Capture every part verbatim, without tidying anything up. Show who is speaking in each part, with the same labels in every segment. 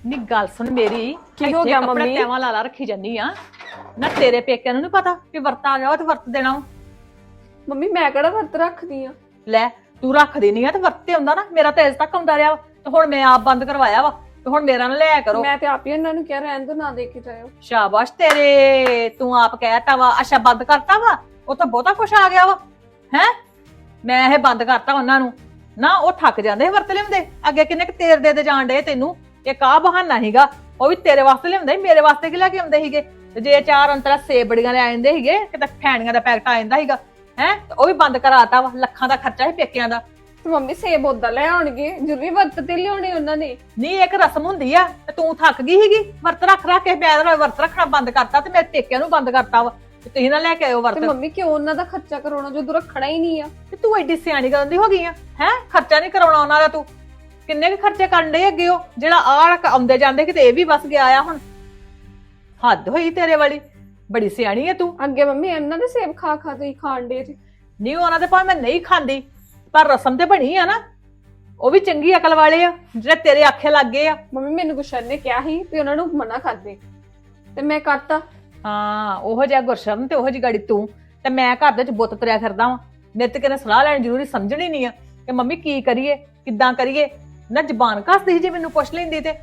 Speaker 1: ਨੀ ਗੱਲ ਸੁਣ ਮੇਰੀ
Speaker 2: ਕੀ ਹੋ ਗਿਆ
Speaker 1: ਕੱਪੜੇ
Speaker 2: ਮੰਮੀ?
Speaker 1: ਤੈਵਾਂ ਲਾ ਲਾ ਰੱਖੀ ਜਾਨੀ ਆ ਨਾ ਤੇਰੇ ਪੇਕਿਆਂ ਨੂੰ ਨੀ ਪਤਾ ਕਿ ਵਰਤ ਆ ਗਿਆ ਵਾ ਤੇ ਵਰਤ ਦੇਣਾ ਵਾ।
Speaker 2: ਮੰਮੀ ਮੈਂ ਕਿਹੜਾ ਵਰਤ ਰੱਖਦੀ ਆ?
Speaker 1: ਲੈ ਤੂੰ ਰੱਖਦੀ ਨਹੀਂ ਆ ਤੇ ਵਰਤ ਤੇ ਆਉਂਦਾ ਨਾ, ਮੇਰਾ ਤੇ ਅਜੇ ਤੱਕ ਆਉਂਦਾ ਰਿਹਾ ਵਾ ਤੇ ਹੁਣ ਮੈਂ ਆਪ ਬੰਦ ਕਰਵਾਇਆ ਵਾ ਤੇ ਹੁਣ ਮੇਰਾ ਨਾ ਲਿਆ ਕਰੋ।
Speaker 2: ਮੈਂ ਤੇ ਆਪ ਹੀ ਇਹਨਾਂ ਨੂੰ ਕਿਹਾ ਰਹਿਣ ਦੋ, ਨਾ ਦੇ ਕੇ ਜਾਇਓ।
Speaker 1: ਸ਼ਾਬਾਸ਼ ਤੇਰੇ, ਤੂੰ ਆਪ ਕਹਿਤਾ ਵਾ। ਅੱਛਾ ਬੰਦ ਕਰਤਾ ਵਾ, ਉਹ ਤਾਂ ਬਹੁਤਾ ਕੁਛ ਆ ਗਿਆ ਵਾ ਹੈ। ਮੈਂ ਇਹ ਬੰਦ ਕਰਤਾ ਉਹਨਾਂ ਨੂੰ ਨਾ, ਉਹ ਥੱਕ ਜਾਂਦੇ ਵਰਤ ਲਿਆਉਂਦੇ। ਅੱਗੇ ਕਿੰਨੇ ਕੁ ਤੇਰ ਦੇ ਦੇ ਜਾਣ ਡੇ ਤੈਨੂੰ, ਇੱਕ ਆ ਬਹਾਨਾ ਸੀਗਾ, ਉਹ ਵੀ ਤੇਰੇ ਵਾਸਤੇ ਲਿਆਉਂਦੇ, ਮੇਰੇ ਵਾਸਤੇ ਕੀ ਲੈ ਕੇ ਆਉਂਦੇ ਸੀਗੇ। ਤੇ ਜੇ ਚਾਰ ਅੰਤਰਾ ਸੇਬ ਬੜੀਆਂ ਲੈ ਆਉਂਦੇ ਸੀਗੇ, ਕਿਤੇ ਫੈਣੀਆਂ ਦਾ ਪੈਕਟ ਆ ਜਾਂਦਾ ਸੀਗਾ ਹੈ, ਉਹ ਵੀ ਬੰਦ ਕਰਾਤਾ ਵਾ। ਲੱਖਾਂ ਦਾ ਖਰਚਾ ਸੀ ਪੇਕਿਆਂ ਦਾ।
Speaker 2: ਤੇ ਮੰਮੀ ਸੇਬ ਉਦਾਂ ਲੈ ਆਉਣਗੇ, ਜ਼ਰੂਰੀ ਵਰਤ ਤੇ ਲਿਆਉਣੇ ਉਹਨਾਂ ਨੇ।
Speaker 1: ਨਹੀਂ ਇੱਕ ਰਸਮ ਹੁੰਦੀ ਆ, ਤੇ ਤੂੰ ਥੱਕ ਗਈ ਸੀਗੀ ਵਰਤ ਰੱਖ ਰੱਖ ਕੇ। ਮੈਂ ਵਰਤ ਰੱਖਣਾ ਬੰਦ ਕਰਤਾ ਤੇ ਮੇਰੇ ਪੇਕਿਆਂ ਨੂੰ ਬੰਦ ਕਰਤਾ ਵਾ, ਤੇ ਤੁਸੀਂ ਨਾ ਲੈ ਕੇ ਆਇਓ ਵਰਤ।
Speaker 2: ਤੇ ਮੰਮੀ ਕਿਉਂ ਉਹਨਾਂ ਦਾ ਖਰਚਾ ਕਰਾਉਣਾ ਜਦੋਂ ਰੱਖਣਾ ਹੀ ਨਹੀਂ ਆ?
Speaker 1: ਤੇ ਤੂੰ ਐਡੀ ਸਿਆਣੀ ਕਰਨ ਦੀ ਹੋ ਗਈ ਆ ਹੈ, ਖਰਚਾ ਨਹੀਂ ਕਰਾਉਣਾ ਉਹਨਾਂ ਦਾ। ਤੂੰ ਕਿੰਨੇ ਕੁ ਖਰਚੇ ਕਰਨ ਡੇ ਅੱਗੇ, ਉਹ ਜਿਹੜਾ ਆਹ ਆਉਂਦੇ ਜਾਂਦੇ ਕਿਤੇ ਇਹ ਵੀ ਬਸ ਗਿਆ ਆ। ਹੁਣ ਹੱਦ ਹੋਈ ਤੇਰੇ ਵਾਲੀ, ਬੜੀ ਸਿਆਣੀ ਆ ਤੂੰ।
Speaker 2: ਅੱਗੇ ਮੰਮੀ ਇਹਨਾਂ ਦੇ ਸੇਬ ਖਾ ਖਾ ਤੁਸੀਂ ਖਾਣ ਡੇ ਜੀ।
Speaker 1: ਨਹੀਂ ਉਹਨਾਂ ਦੇ ਭਾਵੇਂ ਮੈਂ ਨਹੀਂ ਖਾਂਦੀ, ਪਰ ਰਸਮ ਤੇ ਬਣੀ ਆ ਨਾ। ਉਹ ਵੀ ਚੰਗੀ ਅਕਲ ਵਾਲੇ ਆ ਜਿਹੜੇ ਤੇਰੇ ਆਖੇ ਲੱਗ ਗਏ ਆ।
Speaker 2: ਮੰਮੀ ਮੈਨੂੰ ਗੁਸ਼ਨ ਨੇ ਕਿਹਾ ਸੀ ਵੀ ਉਹਨਾਂ ਨੂੰ ਮਨਾ ਕਰ ਦੇ, ਤੇ ਮੈਂ ਕਰਤਾ।
Speaker 1: ਹਾਂ ਉਹੋ ਜਿਹਾ ਗੁਰਸ਼ਰਨ ਤੇ ਉਹੋ ਜਿਹੀ ਗਾੜੀ ਤੂੰ, ਤੇ ਮੈਂ ਘਰ ਦੇ ਵਿੱਚ ਬੁੱਤ ਤੁਰਿਆ ਫਿਰਦਾ ਵਾਂ। ਮੇਰੇ ਤੇ ਕਿਹਨੇ ਸਲਾਹ ਲੈਣ ਜ਼ਰੂਰੀ ਸਮਝਣੀ ਨਹੀਂ ਆ ਕਿ ਮੰਮੀ ਕੀ ਕਰੀਏ ਕਿੱਦਾਂ ਕਰੀਏ। ਨਾ ਜ਼ਬਾਨ ਕੱਸਦੀ ਸੀ ਜੇ ਮੈਨੂੰ ਪੁੱਛ ਲੈਂਦੀ ਤੇ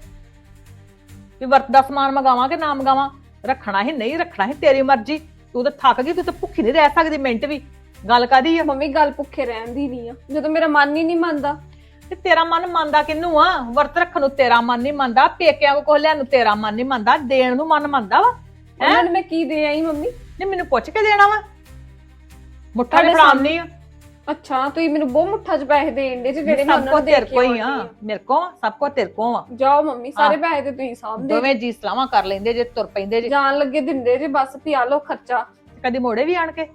Speaker 1: ਵੀ ਵਰਤ ਦਾ ਸਮਾਨ ਮੰਗਾਵਾਂ ਕਿ ਨਾ ਮੰਗਾਵਾਂ। ਰੱਖਣਾ ਹੀ ਨਹੀਂ ਰੱਖਣਾ ਹੀ ਤੇਰੀ ਮਰਜ਼ੀ। ਤੂੰ ਤਾਂ ਥੱਕ ਗਈ, ਤੂੰ ਤਾਂ ਭੁੱਖੀ ਨਹੀਂ ਰਹਿ ਸਕਦੀ ਮਿੰਟ ਵੀ। ਗੱਲ ਕਾਦੀ ਆ?
Speaker 2: ਮੰਮੀ ਗੱਲ ਭੁੱਖੇ ਰਹਿਣ ਦੀ ਨਹੀਂ ਆ, ਜਦੋਂ ਮੇਰਾ ਮਨ ਹੀ ਨਹੀਂ ਮੰਨਦਾ।
Speaker 1: ਤੇ ਤੇਰਾ ਮਨ ਮੰਨਦਾ ਕਿਹਨੂੰ ਆ? ਵਰਤ ਰੱਖਣ ਨੂੰ ਤੇਰਾ ਮਨ ਨਹੀਂ ਮੰਨਦਾ, ਪੇਕਿਆਂ ਕੋ ਕੁਝ ਲੈਣ ਨੂੰ ਤੇਰਾ ਮਨ ਨਹੀਂ ਮੰਨਦਾ, ਦੇਣ ਨੂੰ ਮਨ ਮੰਨਦਾ ਵਾ।
Speaker 2: ਉਹਨਾਂ ਨੂੰ ਮੈਂ ਕੀ ਦੇ ਆਈ ਮੰਮੀ?
Speaker 1: ਨਹੀਂ ਮੈਨੂੰ ਪੁੱਛ ਕੇ ਦੇਣਾ ਵਾ, ਮੁੱਠਾ ਵੀ ਫੜਾਉਣੀ ਆ।
Speaker 2: ਅੱਛਾ ਤੁਸੀਂ ਮੈਨੂੰ ਬਹੁਤ ਮੁੱਠਾ ਚ ਪੈਸੇ ਦੇਣ ਦੇ ਜਿਹੜੇ ਮੈਂ
Speaker 1: ਸਭ
Speaker 2: ਉਹਨਾਂ
Speaker 1: ਕੋ
Speaker 2: ਨੂੰ ਦੇ
Speaker 1: ਤੇਰੇ
Speaker 2: ਕੇ
Speaker 1: ਕੋ ਹੀ ਆ,
Speaker 2: ਆਉਂਦੀ ਆ।
Speaker 1: ਮੇਰੇ ਕੋ ਸਭ ਕੋ ਤੇਰੇ ਕੋ ਆ।
Speaker 2: ਜਾਓ ਮੰਮੀ, ਸਾਰੇ ਪੈਸੇ ਤੇ ਤੁਸੀਂ ਸਾਂਭਦੇ
Speaker 1: ਦੋਵੇਂ ਜੀ ਸਲਾਹਾਂ ਕਰ ਲੈਂਦੇ ਜੇ, ਤੁਰ ਪੈਂਦੇ ਜੇ।
Speaker 2: ਜਾਣ ਲੱਗੇ ਦਿੰਦੇ ਜੇ, ਬਸ ਪਿਆ ਲੋ ਖਰਚਾ।
Speaker 1: ਕਦੀ ਮੋੜੇ ਵੀ ਆਣ ਕੇ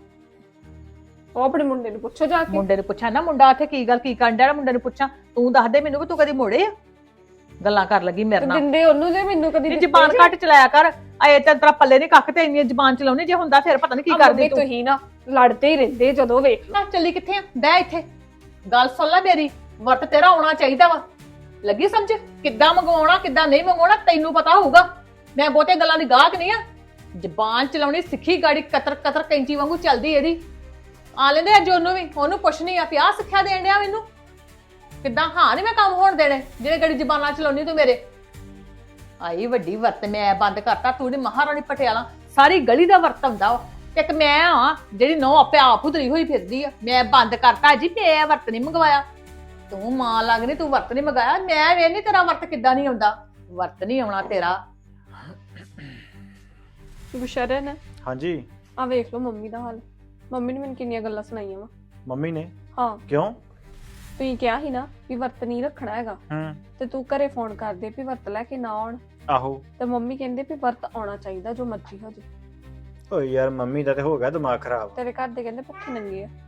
Speaker 2: ਉਹ ਆਪਣੇ ਮੁੰਡੇ ਨੂੰ ਪੁੱਛੋ ਜਾ ਕੇ।
Speaker 1: ਮੁੰਡੇ ਨੂੰ ਪੁੱਛਾਂ ਨਾ, ਮੁੰਡਾ ਉੱਥੇ ਕੀ ਗੱਲ ਕੀ ਕਰਨ ਡਿਆ, ਮੁੰਡੇ ਨੂੰ ਪੁੱਛਾਂ। ਤੂੰ ਦੱਸ ਦੇ ਮੈਨੂੰ ਵੀ ਤੂੰ ਕਦੀ ਮੋੜੇ ਆ? ਗੱਲਾਂ ਕਰ ਲੱਗੀ ਮੇਰੇ ਨਾਲ।
Speaker 2: ਦਿੰਦੇ ਉਹਨੂੰ ਜੇ ਮੈਨੂੰ ਕਦੀ
Speaker 1: ਇਹ ਜ਼ਬਾਨ ਘੱਟ ਚਲਾਇਆ ਕਰ। ਆਏ ਤੇ ਤੇਰਾ ਪੱਲੇ ਨਹੀਂ ਕੱਖ ਤੇ ਇੰਨੀ ਜ਼ਬਾਨ ਚਲਾਉਣੀ, ਜੇ ਹੁੰਦਾ ਫਿਰ ਪਤਾ ਨਹੀਂ ਕੀ ਕਰਦੀ ਤੂੰ।
Speaker 2: ਤੁਸੀਂ ਨਾ ਲੜਦੇ ਹੀ ਰਹਿੰਦੇ ਜਦੋਂ ਵੇਖ ਲਓ।
Speaker 1: ਨਾ ਚੱਲੀ ਕਿੱਥੇ ਆ? ਬਹਿ ਇੱਥੇ, ਗੱਲ ਸੁਣ ਲੈ ਮੇਰੀ। ਵਰਤ ਤੇਰਾ ਆਉਣਾ ਚਾਹੀਦਾ ਵਾ, ਲੱਗੀ ਸਮਝ? ਕਿੱਦਾਂ ਮੰਗਵਾਉਣਾ ਕਿੱਦਾਂ ਨਹੀਂ ਮੰਗਵਾਉਣਾ ਤੈਨੂੰ ਪਤਾ ਹੋਊਗਾ। ਮੈਂ ਬਹੁਤੇ ਗੱਲਾਂ ਦੀ ਗਾਹਕ ਨਹੀਂ ਆ। ਜ਼ਬਾਨ ਚਲਾਉਣੀ ਸਿੱਖੀ, ਗਾੜੀ ਕਤਰ ਕਤਰ ਕੈਂਚੀ ਵਾਂਗੂ ਚੱਲਦੀ ਇਹਦੀ। ਆ ਲੈਂਦੇ ਅੱਜ ਉਹਨੂੰ ਵੀ, ਉਹਨੂੰ ਪੁੱਛਣੀ ਆ ਪਿਆ ਸਿੱਖਿਆ ਦੇਣ ਡਿਆ ਮੈਨੂੰ ਕਿੱਦਾਂ। ਹਾਂ ਨਹੀਂ ਮੈਂ ਕੰਮ ਹੋਣ ਦੇਣੇ ਜਿਹੜੇ ਗੜੀ ਜ਼ਬਾਨਾਂ ਚਲਾਉਣੀ ਤੂੰ ਮੇਰੇ। ਆਈ ਵੱਡੀ ਵਰਤ ਮੈਂ ਬੰਦ ਕਰਤਾ। ਤੂੰ ਨੀ ਮਹਾਰਾਣੀ ਪਟਿਆਲਾ, ਸਾਰੀ ਗਲੀ ਦਾ ਵਰਤ ਹੁੰਦਾ ਵਾ। ਤੇ ਇੱਕ ਮੈਂ ਆ ਜਿਹੜੀ ਨੌ ਆਪੇ ਆਪ ਉਧਰੀ ਹੋਈ ਫਿਰਦੀ ਆ। ਮੈਂ ਬੰਦ ਕਰਤਾ ਜੀ, ਮੈਂ ਵਰਤ ਨਹੀਂ ਮੰਗਵਾਇਆ। ਤੂੰ ਮਾਂ ਲੱਗਣੀ, ਤੂੰ ਵਰਤ ਨਹੀਂ ਮੰਗਾਇਆ। ਮੈਂ ਵੇਖਨੀ ਤੇਰਾ ਵਰਤ ਕਿੱਦਾਂ ਨਹੀਂ ਆਉਂਦਾ। ਵਰਤ ਨਹੀਂ ਆਉਣਾ ਤੇਰਾ।
Speaker 2: ਗੁਸ਼ਰਨ
Speaker 3: ਹਾਂਜੀ
Speaker 2: ਆ ਵੇਖ ਲਓ ਮੰਮੀ ਦਾ ਹਾਲ। ਮੰਮੀ ਨੇ ਮੈਨੂੰ ਕਿੰਨੀਆਂ ਗੱਲਾਂ ਸੁਣਾਈਆਂ ਵਾ।
Speaker 3: ਮੰਮੀ ਨੇ?
Speaker 2: ਹਾਂ
Speaker 3: ਕਿਉਂ?
Speaker 2: ਤੁਸੀਂ ਕਿਹਾ ਸੀ ਨਾ ਵੀ ਵਰਤ ਨਹੀਂ ਰੱਖਣਾ ਹੈਗਾ,
Speaker 3: ਹੂੰ
Speaker 2: ਤੇ ਤੂੰ ਘਰੇ ਫੋਨ ਕਰਦੇ ਵੀ ਵਰਤ ਲੈ ਕੇ ਨਾ ਆਉਣ।
Speaker 3: ਆਹੋ।
Speaker 2: ਤੇ ਮੰਮੀ ਕਹਿੰਦੇ ਵੀ ਵਰਤ ਆਉਣਾ ਚਾਹੀਦਾ ਜੋ ਮਰਜ਼ੀ ਹੋ ਜੇ।
Speaker 3: ਓਏ ਯਾਰ ਮੰਮੀ ਦਾ ਤੇ ਹੋ ਗਿਆ ਦਿਮਾਗ ਖਰਾਬ।
Speaker 2: ਤੇਰੇ ਘਰ ਦੇ ਕਹਿੰਦੇ ਭੁੱਖੇ ਨੰਗੇ ਆ।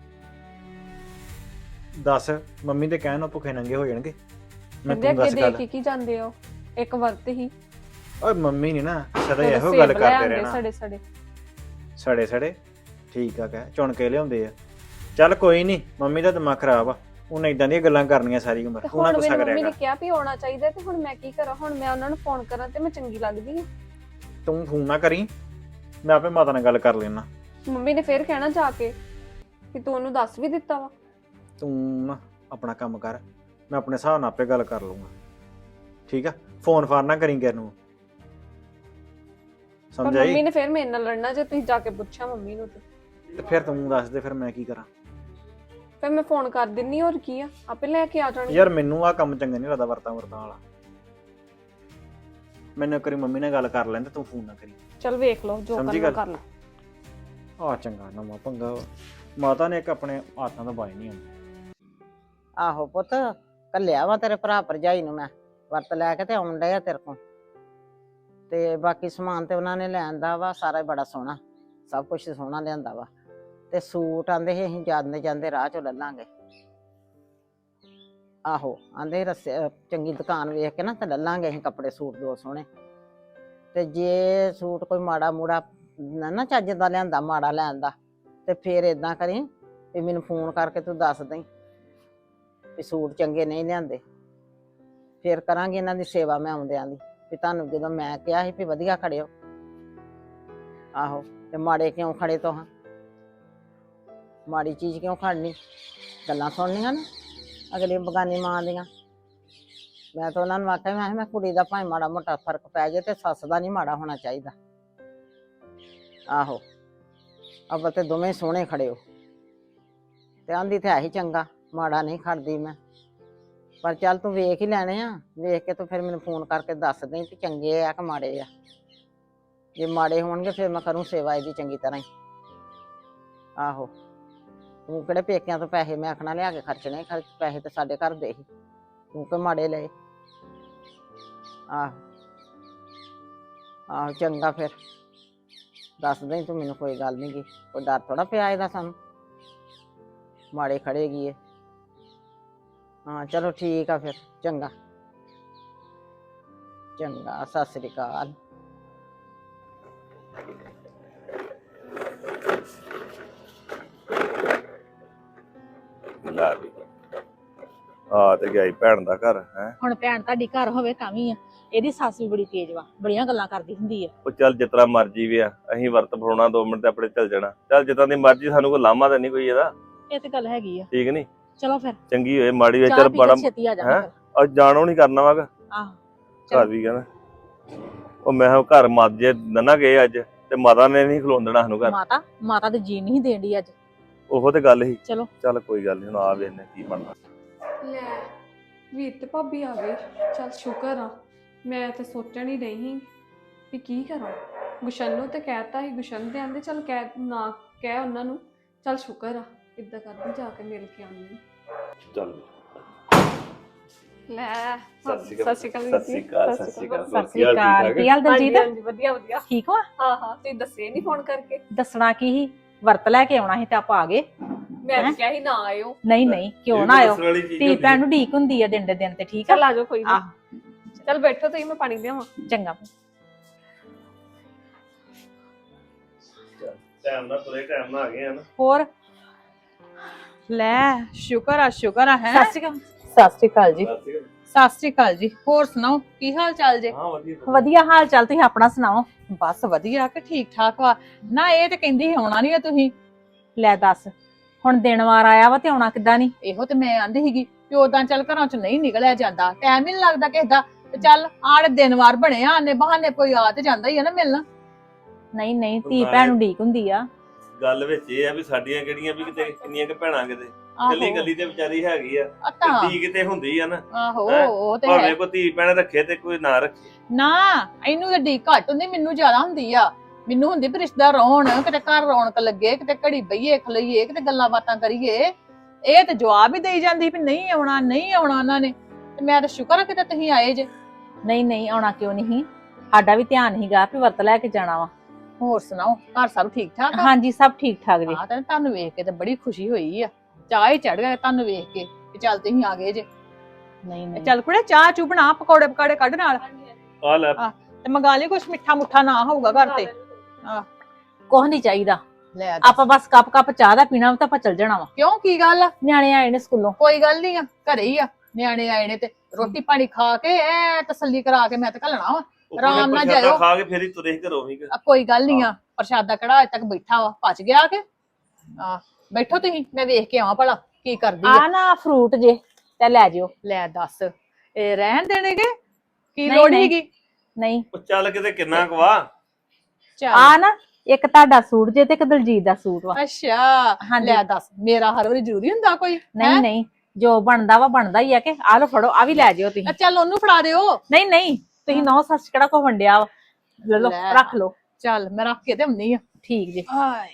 Speaker 3: ਦੱਸ ਮੰਮੀ ਦੇ ਕਹਿਣ ਨਾਲ ਭੁੱਖੇ ਨੰਗੇ ਹੋ ਜਾਣਗੇ? ਮੈਂ
Speaker 2: ਕਹਿੰਦੇ
Speaker 3: ਤੂੰ
Speaker 2: ਅੱਗੇ
Speaker 3: ਦੱਸ
Speaker 2: ਦੇ
Speaker 3: ਗੱਲ।
Speaker 2: ਕੇ ਕੀ ਜਾਂਦੇ ਹੋ, ਇੱਕ ਵਰਤ ਹੀ।
Speaker 3: ਓਏ ਮੰਮੀ ਨੀ ਨਾ ਸਦਾ
Speaker 2: ਉਹਦੇ
Speaker 3: ਇਹੋ ਗੱਲ
Speaker 2: ਸੇਬ ਲੈ
Speaker 3: ਕਰਦੇ
Speaker 2: ਆਉਂਦੇ
Speaker 3: ਰਹਿਣਾ।
Speaker 2: ਸੜੇ ਸੜੇ
Speaker 3: ਸੜੇ ਸੜੇ ਠੀਕ ਆ, ਕਹਿ ਚੁਣ ਕੇ ਲਿਆਉਂਦੇ ਆ। ਚੱਲ ਕੋਈ ਨਹੀਂ, ਮੰਮੀ ਦਾ ਦਿਮਾਗ ਖਰਾਬ ਆ। ਉਹਨੇ ਇਦਾਂ ਦੀਆਂ ਗੱਲਾਂ ਕਰਨੀਆਂ ਸਾਰੀ ਉਮਰ।
Speaker 2: ਤੇ
Speaker 3: ਤੂੰ ਨਾ
Speaker 2: ਹੁਣ
Speaker 3: ਗੁੱਸਾ
Speaker 2: ਮੈਨੂੰ ਮੰਮੀ
Speaker 3: ਕਰਿਆ
Speaker 2: ਨੇ
Speaker 3: ਕਰ।
Speaker 2: ਕਿਹਾ ਵੀ ਆਉਣਾ ਚਾਹੀਦਾ, ਤੇ ਹੁਣ ਮੈਂ ਕੀ ਕਰਾਂ? ਹੁਣ ਮੈਂ ਉਹਨਾਂ ਨੂੰ ਫੋਨ ਕਰਾਂ ਤੇ ਮੈਂ ਚੰਗੀ ਲੱਗਦੀ ਹਾਂ?
Speaker 3: ਤੂੰ ਫੋਨ ਨਾ ਕਰੀ, ਮੈਂ ਆਪੇ ਮਾਤਾ ਨਾਲ ਗੱਲ ਕਰ ਲੈਣਾ।
Speaker 2: ਮੰਮੀ ਨੇ ਫੇਰ ਕਹਿਣਾ ਜਾ ਕੇ ਕਿ ਤੂੰ ਉਹਨੂੰ ਦੱਸ ਵੀ ਦਿੱਤਾ ਵਾ।
Speaker 3: ਤੂੰ ਨਾ ਆਪਣਾ ਕੰਮ ਕਰ, ਮੈਂ ਆਪਣੇ ਹਿਸਾਬ ਨਾਲ ਆਪੇ ਗੱਲ ਕਰ ਲੂੰਗਾ। ਠੀਕ ਆ? ਫੋਨ ਫਾਨ ਨਾ ਕਰੀ ਕਿਸੇ ਨੂੰ,
Speaker 2: ਪਰ
Speaker 3: ਸਮਝ ਆਈ?
Speaker 2: ਮੰਮੀ ਨੇ ਫੇਰ ਮੇਰੇ ਨਾਲ ਲੜਨਾ ਜੇ ਤੁਸੀਂ ਜਾ ਕੇ ਪੁੱਛਿਆ ਮੰਮੀ ਨੂੰ। ਤੇ
Speaker 3: ਤੇ ਫਿਰ ਤੂੰ ਦੱਸ ਦੇ, ਫਿਰ ਮੈਂ ਕੀ ਕਰਾਂ?
Speaker 2: ਫਿਰ ਮੈਂ ਫੋਨ ਕਰ ਦਿੰਨੀ, ਹੋਰ ਕੀ ਆ, ਆਪੇ ਲੈ ਕੇ ਆ ਜਾਣਗੇ।
Speaker 3: ਯਾਰ ਮੈਨੂੰ ਆ ਕੰਮ ਚੰਗਾ ਨਹੀਂ ਲੱਗਦਾ ਵਰਤਾਂ ਵਰਤਾਂ ਵਾਲਾ। ਮੈਨੂੰ ਇੱਕ ਵਾਰੀ ਮੰਮੀ ਨਾਲ ਗੱਲ ਕਰ ਲੈਣ ਤੇ ਤੂੰ ਫੋਨ ਨਾ ਕਰੀ।
Speaker 2: ਚਲ ਵੇਖ ਲਓ ਜੋ
Speaker 3: ਸਮਝੀ
Speaker 2: ਕਰਨਾ
Speaker 3: ਗੱਲ?
Speaker 2: ਕਰ ਲਓ।
Speaker 3: ਆ ਚੰਗਾ ਨਵਾਂ ਪੰਗਾ ਵਾ। ਮਾਤਾ ਨੇ ਇੱਕ ਆਪਣੇ ਹੱਥਾਂ ਦਾ ਬਾਈ ਨਹੀਂ ਆਉਂਦਾ।
Speaker 4: ਆਹੋ ਪੁੱਤ, ਘੱਲਿਆ ਵਾ ਤੇਰੇ ਭਰਾ ਭਰਜਾਈ ਨੂੰ ਮੈਂ ਵਰਤ ਲੈ ਕੇ ਤੇ ਆਉਣ ਡਿਆ ਤੇਰੇ ਕੋਲ। ਤੇ ਬਾਕੀ ਸਮਾਨ ਤੇ ਉਹਨਾਂ ਨੇ ਲਿਆਂਦਾ ਵਾ ਸਾਰਾ ਹੀ ਬੜਾ ਸੋਹਣਾ, ਸਭ ਕੁਝ ਸੋਹਣਾ ਲਿਆਂਦਾ ਵਾ। ਤੇ ਸੂਟ ਆਂਦੇ ਸੀ ਅਸੀਂ ਜਾਂਦੇ ਜਾਂਦੇ ਰਾਹ ਚੋਂ ਲੈ ਲਾਂਗੇ। ਆਹੋ ਆਂਦੇ ਰਸਤੇ ਚੰਗੀ ਦੁਕਾਨ ਵੇਖ ਕੇ ਨਾ ਤੇ ਲੈ ਲਾਂਗੇ ਅਸੀਂ ਕੱਪੜੇ ਸੂਟ ਦੋ ਸੋਹਣੇ। ਤੇ ਜੇ ਸੂਟ ਕੋਈ ਮਾੜਾ ਮੂੜਾ ਨਾ ਨਾ ਚੱਜ ਦਾ ਲਿਆਂਦਾ, ਮਾੜਾ ਲਿਆਂਦਾ, ਤੇ ਫੇਰ ਏਦਾਂ ਕਰੀ ਵੀ ਮੈਨੂੰ ਫੋਨ ਕਰਕੇ ਤੂੰ ਦੱਸ ਦੇਈਂ ਵੀ ਸੂਟ ਚੰਗੇ ਨਹੀਂ ਲਿਆਂਦੇ। ਫੇਰ ਕਰਾਂਗੀ ਇਹਨਾਂ ਦੀ ਸੇਵਾ ਮੈਂ ਆਉਂਦਿਆਂ ਦੀ। ਵੀ ਤੁਹਾਨੂੰ ਜਦੋਂ ਮੈਂ ਕਿਹਾ ਸੀ ਵੀ ਵਧੀਆ ਖੜਿਓ, ਆਹੋ ਤੇ ਮਾੜੇ ਕਿਉਂ ਖੜੇ ਤੋਂ ਹਾਂ, ਮਾੜੀ ਚੀਜ਼ ਕਿਉਂ ਖੜਨੀ, ਗੱਲਾਂ ਸੁਣਨੀਆਂ ਨਾ ਅਗਲੀ ਬਗਾਨੀ ਮਾਂ ਦੀਆਂ। ਮੈਂ ਤਾਂ ਉਹਨਾਂ ਨੂੰ ਆਖਿਆ ਮੈਂ ਕਿਹਾ ਮੈਂ ਕੁੜੀ ਦਾ ਭਾਵੇਂ ਮਾੜਾ ਮੋਟਾ ਫਰਕ ਪੈ ਜਾਏ ਤੇ ਸੱਸ ਦਾ ਨਹੀਂ ਮਾੜਾ ਹੋਣਾ ਚਾਹੀਦਾ। ਆਹੋ ਅੱਬਲ ਤੇ ਦੋਵੇਂ ਸੋਹਣੇ ਖੜੇ ਹੋ, ਤੇ ਆਂਦੀ ਤੇ ਹੈ ਹੀ ਚੰਗਾ, ਮਾੜਾ ਨਹੀਂ ਖੜਦੀ ਮੈਂ, ਪਰ ਚੱਲ ਤੂੰ ਵੇਖ ਹੀ ਲੈਣੇ ਆ, ਵੇਖ ਕੇ ਤੂੰ ਫਿਰ ਮੈਨੂੰ ਫੋਨ ਕਰਕੇ ਦੱਸ ਦੇ ਕਿ ਚੰਗੇ ਆ ਕਿ ਮਾੜੇ ਆ। ਜੇ ਮਾੜੇ ਹੋਣਗੇ ਫਿਰ ਮੈਂ ਕਰੂੰ ਸੇਵਾ ਇਹਦੀ ਚੰਗੀ ਤਰ੍ਹਾਂ ਹੀ। ਆਹੋ ਤੂੰ ਕਿਹੜੇ ਪੇਕਿਆਂ ਤੋਂ ਪੈਸੇ ਮੈਂ ਆਖਣਾ ਲਿਆ ਕੇ ਖਰਚਣੇ, ਖਰਚ ਪੈਸੇ ਤੇ ਸਾਡੇ ਘਰ ਦੇ ਹੀ, ਤੂੰ ਕਿ ਮਾੜੇ ਲਏ। ਆਹੋ ਆਹੋ ਚੰਗਾ ਫਿਰ ਦੱਸ ਦੇ ਤੂੰ ਮੈਨੂੰ, ਕੋਈ ਗੱਲ ਨਹੀਂ ਗੀ, ਕੋਈ ਡਰ ਥੋੜਾ ਪਿਆ ਇਹਦਾ ਸਾਨੂੰ, ਮਾੜੇ ਖੜੇਗੀ ਇਹ। ਹਾਂ ਚਲੋ ਠੀਕ ਆ ਫਿਰ, ਚੰਗਾ ਚੰਗਾ, ਸਤਿ ਸ੍ਰੀ ਅਕਾਲ।
Speaker 5: ਲੈ ਵੀ ਆ ਤੇ ਗਈ ਭੈਣ ਦਾ ਘਰ ਹੈ।
Speaker 1: ਹੁਣ ਭੈਣ ਤੁਹਾਡੀ ਘਰ ਹੋਵੇ ਤਾਂ ਵੀ ਆ, ਇਹਦੀ ਸੱਸ ਵੀ ਬੜੀ ਤੇਜ਼ ਵਾ, ਬੜੀਆਂ ਗੱਲਾਂ ਕਰਦੀ ਹੁੰਦੀ ਆ।
Speaker 5: ਉਹ ਚੱਲ ਜਿਤਨਾ ਮਰਜੀ ਵੀ ਆ, ਅਸੀਂ ਵਰਤ ਫੜਾਉਣਾ ਦੋ ਮਿੰਟ ਤੇ ਆਪਣੇ ਚੱਲ ਜਾਣਾ, ਚੱਲ ਜਿੱਦਾਂ ਦੀ ਮਰਜੀ, ਸਾਨੂੰ ਕੋਈ ਲਾਮਾ ਤਾਂ ਨਹੀਂ ਕੋਈ ਇਹਦਾ।
Speaker 1: ਇਹ ਤੇ ਗੱਲ ਹੈਗੀ ਆ।
Speaker 5: ਠੀਕ ਨਹੀਂ,
Speaker 1: ਚਲੋ ਫਿਰ
Speaker 5: ਚੰਗੀ ਹੋਏ ਮਾੜੀ ਹੋਏ,
Speaker 1: ਚਾਹ
Speaker 5: ਚੱਲ
Speaker 1: ਪੀ
Speaker 5: ਬੜਾ
Speaker 1: ਕੇ ਛੇਤੀ ਆ ਜਾਣਾ
Speaker 5: ਹੈਂ?
Speaker 1: ਫਿਰ।
Speaker 5: ਅੱਜ ਜਾਣੋ ਨਹੀਂ ਕਰਨਾ ਵਾਗਾ
Speaker 1: ਆਹੋ
Speaker 5: ਘਰ ਵੀ ਕਹਿੰਦਾ। ਉਹ ਮੈਂ ਕਿਹਾ ਘਰ ਮੱਝ ਜੇ ਨਨਾ ਗਏ ਅੱਜ, ਤੇ ਮਾਤਾ ਨੇ ਨਹੀਂ ਖਲੋਣ ਦੇਣਾ ਸਾਨੂੰ ਘਰ।
Speaker 1: ਮਾਤਾ ਮਾਤਾ ਤੇ ਜੀ ਨਹੀਂ ਦੇਂਦੀ ਅੱਜ।
Speaker 5: ਉਹੋ ਤੇ ਗੱਲ ਸੀ।
Speaker 1: ਚਲੋ
Speaker 5: ਚੱਲ ਕੋਈ ਗੱਲ ਨਹੀਂ, ਹੁਣ ਆ ਵੇਖਨੇ ਕੀ ਬਣਦਾ।
Speaker 2: ਲੈ ਵੀਰ ਤੇ ਭਾਬੀ ਆ ਗਏ, ਚੱਲ ਸ਼ੁਕਰ ਆ। ਮੈਂ ਤੇ ਸੋਚਣ ਹੀ ਰਹੀ ਸੀ ਵੀ ਕੀ ਕਰਾਂ, ਗੁਸ਼ਨ ਨੂੰ ਤੇ ਕਹਿਤਾ ਸੀ, ਗੁਸ਼ਨ ਦੇ ਆਂਦੇ ਚੱਲ ਕਹਿ ਨਾ ਕਹਿ ਉਹਨਾਂ ਨੂੰ, ਚੱਲ ਸ਼ੁਕਰ ਆ, ਇੱਦਾਂ ਕਰਦੀ ਜਾ ਕੇ ਮਿਲ ਕੇ ਆਉਂਦੀ।
Speaker 5: ਚੱਲ
Speaker 2: ਲੈ
Speaker 5: ਸਤਿ
Speaker 2: ਸਤਿ ਸ਼੍ਰੀ ਅਕਾਲ
Speaker 5: ਸਤਿ ਸ਼੍ਰੀ ਅਕਾਲ, ਸਤਿ ਸ਼੍ਰੀ ਅਕਾਲ।
Speaker 1: ਸਤਿ ਸ੍ਰੀ ਅਕਾਲ। ਕੀ ਹਾਲ ਦਲਜੀਤ?
Speaker 2: ਹਾਂਜੀ ਵਧੀਆ ਵਧੀਆ।
Speaker 1: ਠੀਕ ਹੋ?
Speaker 2: ਹਾਂ ਹਾਂ ਤੁਸੀਂ ਦੱਸੇ ਨਹੀਂ ਫੋਨ ਕਰਕੇ।
Speaker 1: ਦੱਸਣਾ ਕੀ ਸੀ, ਵਰਤ ਲੈ ਕੇ ਆਉਣਾ ਸੀ ਤੇ ਆਪਾਂ ਆ ਗਏ।
Speaker 2: ਮੈਂ ਤਾਂ ਕਿਹਾ ਸੀ ਨਾ ਆਇਓ।
Speaker 1: ਨਹੀਂ ਨਹੀਂ ਕਿਉਂ ਨਾ ਆਇਓ, ਧੀ ਭੈਣ ਨੂੰ ਢੀਕ ਹੁੰਦੀ ਆ ਦਿਨ ਦੇ ਦਿਨ ਤੇ। ਠੀਕ ਆ
Speaker 2: ਚੱਲ ਆ ਜਾਓ, ਕੋਈ
Speaker 1: ਆਹ
Speaker 2: ਨਹੀਂ। ਚੱਲ ਬੈਠੋ ਤੁਸੀਂ, ਮੈਂ ਪਾਣੀ ਲਿਆਵਾਂ।
Speaker 1: ਚੰਗਾ।
Speaker 5: ਟਾਈਮ ਨਾਲ ਤੁਰੇ, ਟਾਈਮ ਨਾਲ ਆ ਗਏ ਹਨ।
Speaker 1: ਹੋਰ ਲੈ ਸ਼ੁਕਰ ਆ ਸ਼ੁਕਰ ਆ ਹੈ।
Speaker 2: ਸਤਿ ਸ਼੍ਰੀ ਅਕਾਲ।
Speaker 1: ਸਤਿ ਸ਼੍ਰੀ ਅਕਾਲ ਜੀ। ਸਤਿ ਸ਼੍ਰੀ ਅਕਾਲ ਜੀ। ਹੋਰ ਸੁਣਾਓ ਕੀ ਹਾਲ ਚਾਲ ਜੇ?
Speaker 5: ਹਾਂ ਵਧੀਆ
Speaker 1: ਵਧੀਆ ਹਾਲ ਚਾਲ, ਤੁਸੀਂ ਆਪਣਾ ਸੁਣਾਓ? ਬਸ ਵਧੀਆ ਕਿ ਠੀਕ ਠਾਕ ਵਾ ਨਾ। ਇਹ ਤੇ ਕਹਿੰਦੀ ਸੀ ਆਉਣਾ ਨਹੀਂ ਆ ਤੁਸੀਂ। ਲੈ ਦੱਸ, ਹੁਣ ਦਿਨ ਵਾਰ ਆਇਆ ਵਾ ਤੇ ਆਉਣਾ ਕਿੱਦਾਂ ਨਹੀਂ? ਇਹੋ ਤੇ ਮੈਂ ਆਂਦੀ ਸੀਗੀ ਕਿ ਉਦਾਂ ਚੱਲ ਘਰਾਂ ਚ ਨਹੀਂ ਨਿਕਲਿਆ ਜਾਂਦਾ, ਟਾਈਮ ਹੀ ਨਹੀਂ ਲੱਗਦਾ ਕਿਸੇ ਦਾ, ਤੇ ਚੱਲ ਆੜੇ ਦਿਨ ਵਾਰ ਬਣੇ ਆ, ਆਨੇ ਬਹਾਨੇ ਕੋਈ ਆ ਤੇ ਜਾਂਦਾ ਹੀ ਆ ਨਾ ਮਿਲਣ। ਨਹੀਂ ਨਹੀਂ ਧੀ ਭੈਣ ਨੂੰ ਢੀਕ ਹੁੰਦੀ ਆ।
Speaker 5: ਗੱਲ ਵਿੱਚ ਇਹ ਆ ਵੀ ਸਾਡੀਆਂ ਕਿਹੜੀਆਂ ਵੀ ਕਿਤੇ ਕਿੰਨੀਆਂ ਕਿ ਭੈਣਾਂ ਕਿਤੇ ਕੱਲੀ ਕੱਲੀ ਤੇ ਵਿਚਾਰੀ ਹੈਗੀ ਆ,
Speaker 1: ਅੱਤਾ
Speaker 5: ਧੀ ਕਿਤੇ ਹੁੰਦੀ ਆ ਨਾ।
Speaker 1: ਆਹੋ
Speaker 5: ਹੈਂ?
Speaker 1: ਉਹ ਤੇ
Speaker 5: ਭਾਵੇਂ
Speaker 1: ਹੈ
Speaker 5: ਕੋਈ ਧੀ ਭੈਣ ਰੱਖੇ ਤੇ ਕੋਈ ਨਾ ਰੱਖੇ।
Speaker 1: ਨਾ। ਇਹਨੂੰ ਤਾਂ ਢੀਕ ਘੱਟ ਹੁੰਦੀ, ਮੈਨੂੰ ਜ਼ਿਆਦਾ ਹੁੰਦੀ ਆ। ਮੈਨੂੰ ਹੁੰਦੀ ਵੀ ਰਿਸ਼ਤੇਦਾਰ ਰੌਣ, ਕਿਤੇ ਘਰ ਰੌਣਕ ਲੱਗੇ, ਕਿਤੇ ਘੜੀ ਬਈਏ ਖਲਈਏ, ਕਿਤੇ ਗੱਲਾਂ ਬਾਤਾਂ ਕਰੀਏ। ਇਹ ਤੇ ਜਵਾਬ ਹੀ ਦੇਈ ਜਾਂਦੀ ਵੀ ਨਹੀਂ ਆਉਣਾ ਨਹੀਂ ਆਉਣਾ ਉਹਨਾਂ ਨੇ। ਤੇ ਮੈਂ ਤਾਂ ਸ਼ੁਕਰ ਆ ਕਿਤੇ ਤੁਸੀਂ ਆਏ ਜੇ। ਨਹੀਂ ਨਹੀਂ ਆਉਣਾ ਕਿਉਂ ਨਹੀਂ, ਸਾਡਾ ਵੀ ਧਿਆਨ ਹੀਗਾ ਵੀ ਵਰਤ ਲੈ ਕੇ ਜਾਣਾ ਵਾ। ਹੋਰ ਸੁਣਾਓ ਘਰ ਸਭ ਠੀਕ ਠਾਕ ਆ? ਹਾਂਜੀ ਸਭ ਠੀਕ ਠਾਕ ਜੀ। ਹਾਂ ਤੇ ਤੁਹਾਨੂੰ ਵੇਖ ਕੇ ਤੇ ਬੜੀ ਖੁਸ਼ੀ ਹੋਈ ਆ, ਚਾਹ ਹੀ ਚੜ ਗਿਆ ਤੁਹਾਨੂੰ ਵੇਖ ਕੇ ਕਿ ਚੱਲ ਤੁਸੀਂ ਆ ਗਏ ਜੇ। ਨਹੀਂ ਨਹੀਂ ਚੱਲ ਕੁੜੇ ਚਾਹ ਚੂ ਬਣਾ, ਪਕੌੜੇ ਪਕਾੜੇ ਕੱਢ ਨਾਲ
Speaker 5: ਆ ਲੈ
Speaker 1: ਤੇ ਮੰਗਾ ਲਈ ਕੁਛ ਮਿੱਠਾ ਮੁੱਠਾ ਨਾ ਹੋਊਗਾ ਘਰ ਤੇ। ਆਹ ਕੁਛ ਨਹੀਂ ਚਾਹੀਦਾ,
Speaker 6: ਲੈ
Speaker 1: ਆਪਾਂ ਬਸ ਕੱਪ ਕੱਪ ਚਾਹ ਦਾ ਪੀਣਾ ਤਾਂ ਆਪਾਂ ਚੱਲ ਜਾਣਾ ਵਾ।
Speaker 6: ਕਿਉਂ ਕੀ ਗੱਲ ਆ?
Speaker 1: ਨਿਆਣੇ ਆਏ ਨੇ ਸਕੂਲੋਂ।
Speaker 6: ਕੋਈ ਗੱਲ ਨਹੀਂ ਆ, ਘਰੇ ਹੀ ਆ ਨਿਆਣੇ ਆਏ ਨੇ ਤੇ ਰੋਟੀ ਪਾਣੀ ਖਾ ਕੇ ਐ ਤਸੱਲੀ ਕਰਾ ਕੇ ਮੈਂ ਤੇ ਘੱਲਣਾ ਵਾ। ਆਰਾਮ ਨਾਲ ਜਾਇਓ।
Speaker 5: ਖਾ ਕੇ ਫੇਰ ਹੀ ਤੁਰੇ ਘਰੋਂ ਵੀ।
Speaker 6: ਆ ਕੋਈ ਗੱਲ ਨਹੀਂ ਆ, ਪ੍ਰਸ਼ਾਦਾ ਕੜਾ ਅਜੇ ਤੱਕ ਬੈਠਾ ਵਾ, ਪਚ ਗਿਆ ਕਿ ਆ ਬੈਠੋ ਤੁਸੀਂ, ਮੈਂ ਵੇਖ ਕੇ ਆਵਾਂ ਭਲਾ ਕੀ ਕਰਦੀ ਆ।
Speaker 1: ਆ ਨਾ ਫਰੂਟ ਜੇ ਤੇ ਲੈ ਜਿਓ।
Speaker 6: ਲੈ ਦੱਸ ਇਹ ਰਹਿਣ ਦੇਣਗੇ ਕੀ
Speaker 1: ਨਹੀਂ,
Speaker 6: ਲੋੜ
Speaker 1: ਨਹੀਂ।
Speaker 6: ਹੈਗੀ?
Speaker 1: ਨਹੀਂ
Speaker 5: ਉਹ ਚੱਲ ਕਿਤੇ ਕਿੰਨਾ ਕਵਾ।
Speaker 6: ਚੱਲ
Speaker 1: ਆ ਨਾ ਇੱਕ ਤੁਹਾਡਾ ਸੂਟ ਜੇ ਤੇ ਇੱਕ ਦਲਜੀਤ ਦਾ ਸੂਟ ਵਾ।
Speaker 6: ਅੱਛਾ
Speaker 1: ਹਾਂਜੀ।
Speaker 6: ਲੈ ਦੱਸ ਮੇਰਾ ਹਰ ਵਾਰੀ ਜ਼ਰੂਰੀ ਹੁੰਦਾ ਕੋਈ?
Speaker 1: ਨਹੀਂ ਨਹੀਂ ਜੋ ਬਣਦਾ ਵਾ ਬਣਦਾ ਹੀ ਆ ਕਿ ਆ ਲੋ ਫੜੋ, ਆ ਵੀ ਲੈ ਜਿਓ
Speaker 6: ਆ
Speaker 1: ਤੁਸੀਂ।
Speaker 6: ਚੱਲ ਉਹਨੂੰ ਫੜਾ ਦਿਓ।
Speaker 1: ਨਹੀਂ ਨਹੀਂ ਤੁਸੀਂ ਨੌ ਸੱਸ ਕਿਹੜਾ ਕੋ ਵੰਡਿਆ ਵਾ, ਲੈ ਲੋ
Speaker 6: ਲੈ।
Speaker 1: ਰੱਖ ਲੋ।
Speaker 6: ਚੱਲ ਮੈਂ ਰੱਖ ਕੇ ਤੇ ਹੁੰਨੀ ਆ।
Speaker 1: ਠੀਕ ਜੀ।
Speaker 6: ਹਾਏ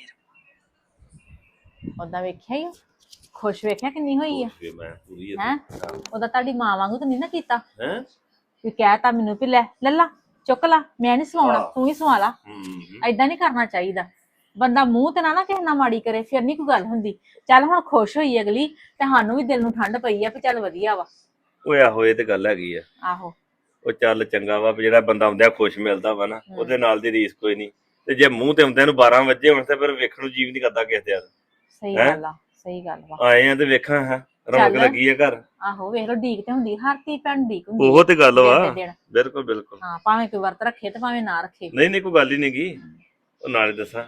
Speaker 1: ਉਹਦਾ ਵੇਖਿਆ ਹੀ ਖੁਸ਼ ਵੇਖਿਆ ਕਿੰਨੀ ਹੋਈ ਆ
Speaker 5: ਮੈਂ ਪੂਰੀ
Speaker 1: ਹੈ। ਉਹਦਾ ਤੁਹਾਡੀ ਮਾਂ ਵਾਂਗੂ ਤਾਂ ਨਹੀਂ ਨਾ ਕੀਤਾ
Speaker 5: ਹੈ।
Speaker 1: ਵੀ ਕਹਿਤਾ ਮੈਨੂੰ ਵੀ ਲੈ ਲੱਲਾ ਚੁੱਕ ਲਾ, ਮੈਂ ਨਹੀਂ ਸਵਾਉਣਾ
Speaker 5: ਹਾਂ।
Speaker 1: ਤੂੰ ਹੀ ਸਵਾ ਲਾ।
Speaker 5: ਹੂੰ
Speaker 1: ਏਦਾਂ ਨਹੀਂ ਕਰਨਾ ਚਾਹੀਦਾ। ਬੰਦਾ ਮੂੰਹ ਤੇ ਨਾ ਨਾ ਕਿਸੇ ਨਾਲ ਮਾੜੀ ਕਰੇ, ਫਿਰ ਨਹੀਂ ਕੋਈ ਗੱਲ ਹੁੰਦੀ। ਚੱਲ ਹੁਣ ਖੁਸ਼ ਹੋਈ ਅਗਲੀ ਤੇ ਸਾਨੂੰ ਵੀ ਦਿਲ ਨੂੰ ਠੰਡ ਪਈ ਆ ਵੀ ਚੱਲ ਵਧੀਆ ਵਾ।
Speaker 5: ਓਏ ਆਹੋ ਇਹ ਤੇ ਗੱਲ ਹੈਗੀ ਆ।
Speaker 1: ਆਹੋ
Speaker 5: ਉਹ ਚੱਲ ਚੰਗਾ ਵਾ ਵੀ ਜਿਹੜਾ ਬੰਦਾ ਆਉਂਦਿਆਂ ਖੁਸ਼ ਮਿਲਦਾ ਵਾ ਨਾ, ਉਹਦੇ ਨਾਲ ਦੀ ਰੀਸ ਕੋਈ ਨਹੀਂ। ਤੇ ਜੇ ਮੂੰਹ ਤੇ ਆਉਂਦਿਆਂ ਨੂੰ ਬਾਰਾਂ ਵਜੇ ਹੋਣ ਤੇ ਫਿਰ ਵੇਖਣ ਨੂੰ ਜੀਵ ਨਹੀਂ ਕਰਦਾ ਕਿਸੇ ਦੇ।
Speaker 1: ਸਹੀ
Speaker 5: ਹੈਂ?
Speaker 1: ਗੱਲ ਆ, ਸਹੀ ਗੱਲ ਵਾ।
Speaker 5: ਆਏ ਆ ਤੇ ਵੇਖਾਂ ਹਾਂ ਰੌਣਕ
Speaker 6: ਚੱਲ।
Speaker 5: ਲੱਗੀ ਆ ਘਰ।
Speaker 6: ਆਹੋ ਵੇਖ ਲੋ ਡੀਕ ਤੇ ਹੁੰਦੀ ਹਰ ਤੀ ਭੈਣ ਡੀਕ ਹੁੰਦੀ
Speaker 5: ਉਹ ਤੇ ਗੱਲ ਵਾ।
Speaker 6: ਦਿਨ ਦੇ ਦਿਨ।
Speaker 5: ਬਿਲਕੁਲ ਬਿਲਕੁਲ।
Speaker 6: ਹਾਂ ਭਾਵੇਂ ਕੋਈ ਵਰਤ ਰੱਖੇ ਤੇ ਭਾਵੇਂ ਨਾ ਰੱਖੇ।
Speaker 5: ਨਹੀਂ ਨਹੀਂ ਕੋਈ ਗੱਲ ਹੀ ਨਹੀਂਗੀ। ਉਹ ਨਾਲੇ ਦੱਸਾਂ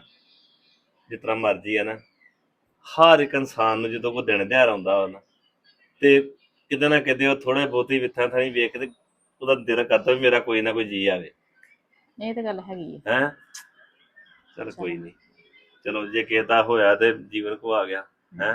Speaker 5: ਜਿਸ ਤਰ੍ਹਾਂ ਮਰਜ਼ੀ ਆ ਨਾ, ਹਰ ਇੱਕ ਇਨਸਾਨ ਨੂੰ ਜਦੋਂ ਕੋਈ ਦਿਨ ਤਿਉਹਾਰ ਆਉਂਦਾ ਵਾ ਨਾ ਤੇ ਕਿਤੇ ਨਾ ਕਿਤੇ ਉਹ ਥੋੜੇ ਬਹੁਤੀ ਵਿਥਾਂ ਥਾਣੀ ਵੇਖ ਕੇ ਤੇ ਉਹਦਾ ਦਿਲ ਕਰਦਾ ਵੀ ਮੇਰਾ ਕੋਈ ਨਾ ਕੋਈ ਜੀ ਆਵੇ।
Speaker 6: ਇਹ ਤੇ ਗੱਲ ਹੈਗੀ ਹੈ।
Speaker 5: ਹੈਂ ਚਲ ਕੋਈ ਨਹੀਂ, ਚਲੋ ਜੇ ਕਿਸੇ ਦਾ ਹੋਇਆ ਤੇ ਜੀਵਨ ਕੋ ਆ ਗਿਆ ਹੈ